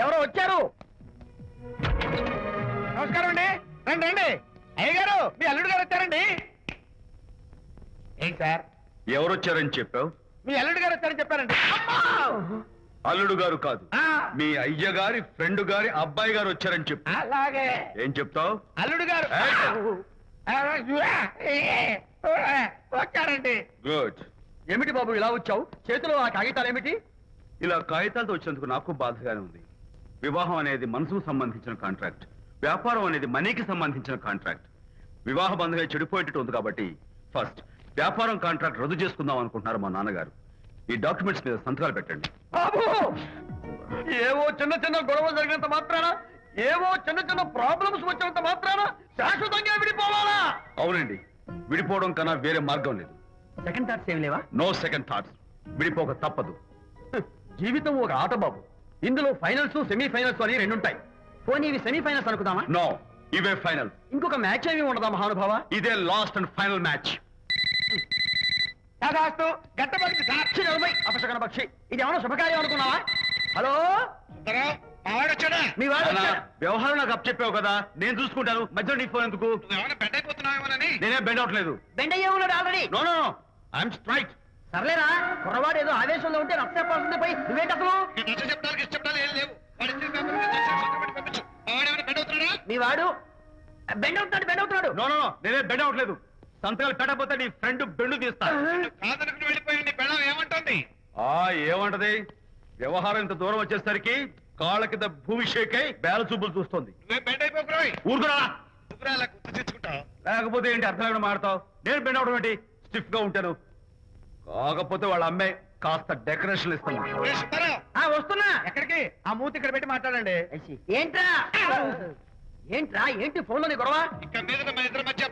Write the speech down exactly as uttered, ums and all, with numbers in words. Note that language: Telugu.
ఎవరో వచ్చారు. నమస్కారం అండి. రండి రండి. అయ్య గారు, మీ అల్లుడు గారు వచ్చారండి. ఏంటి సార్? ఎవరొచ్చారని చెప్పావు? మీ అల్లుడు గారు వచ్చారని చెప్పారండి. అల్లుడు గారు కాదు, ఆ, మీ అయ్య గారి ఫ్రెండ్ గారి అబ్బాయి గారు వచ్చారని చెప్పు. అలాగే. ఏం చెప్తావు? అల్లుడు గారు వచ్చారండి. గుడ్. ఏమిటి బాబు ఇలా వచ్చావు? చేతిలో ఆ కాగితాలు ఏమిటి? ఇలా కాగితాలతో వచ్చినందుకు నాకు బాధగానే ఉంది. వివాహం అనేది మనసుకు సంబంధించిన కాంట్రాక్ట్, వ్యాపారం అనేది మనీకి సంబంధించిన కాంట్రాక్ట్. వివాహ బంధంగా చెడిపోయేటట్టు ఉంది కాబట్టి ఫస్ట్ వ్యాపారం కాంట్రాక్ట్ రద్దు చేసుకుందాం అనుకుంటున్నారు మా నాన్నగారు. ఈ డాక్యుమెంట్స్ మీద సంతకాలు పెట్టండి. బాబు, ఏవో చిన్న చిన్న గొడవలు జరిగినంత మాత్రాన, ఏవో చిన్న చిన్న ప్రాబ్లమ్స్ వచ్చినంత మాత్రాన శాశ్వతంగా విడిపోవాలా? అవునండి, విడిపోవడం కన్నా వేరే మార్గం లేదు. సెకండ్ థాట్స్ ఏమి లేవా? No second thoughts. విడిపోక తప్పదు. జీవితం ఒక ఆట బాబు. ఇందులో ఫైనల్స్ సెమీ ఫైనల్స్ అని రెండు ఉంటాయి. పోనీ ఇవి సెమీ ఫైనల్స్ అనుకుందామా? నో, ఇవే ఫైనల్. ఇంకొక మ్యాచ్ ఏమి ఉండదా మహానుభావ? ఇదే లాస్ట్ అండ్ ఫైనల్ మ్యాచ్. అపశకన పక్షి, ఇది ఏమన్నా శుభకార్యం అనుకున్నావా? హలో, మీ వాడు అన్నా, వచ్చాడు. వ్యవహారం నాకు అప్ చెప్పావు కదా, నేను చూసుకుంటాను. మధ్యలో నీ ఫోన్ ఎందుకు? నేనే బెండ్ అవట్లేదు. బెండ్ అయ్యే ఉన్నాడు already. No no no, I'm straight. సర్లేరా, కుర్రవాడు ఏదో ఆవేశంలో ఉంటే రక్త చెప్పాల్సింది పోయి నువ్వేంటి అసలు? మీ వాడు బెండ్ అవుతున్నాడు బెండ్ అవుతున్నాడు. నో నో నో, నేనే బెండ్ అవట్లేదు. సంతకాలు పెట్టకపోతే నీ ఫ్రెండ్ బెండు తీస్తా. ఆ ఏమంటది? వ్యవహారం ఇంత దూరం వచ్చేసరికి కాళ్ళ కింద భూమి షేక్ అయి బేల చూపులు చూస్తుంది. ఊరుకురా. లేకపోతే ఏంటి అర్థం లేకుండా మాడతావు? నేను బెండ్ అవడం ఏంటి? స్టిఫ్ గా ఉంటాను. కాకపోతే వాళ్ళ అమ్మాయి కాస్త డెకరేషన్ ఇస్తాను. ఆ, వస్తున్నా. ఎక్కడికి? ఆ మూతి ఇక్కడ పెట్టి మాట్లాడండి. ఏంట్రా ఏంట్రా ఏంటి ఫోన్ లోని గొడవ?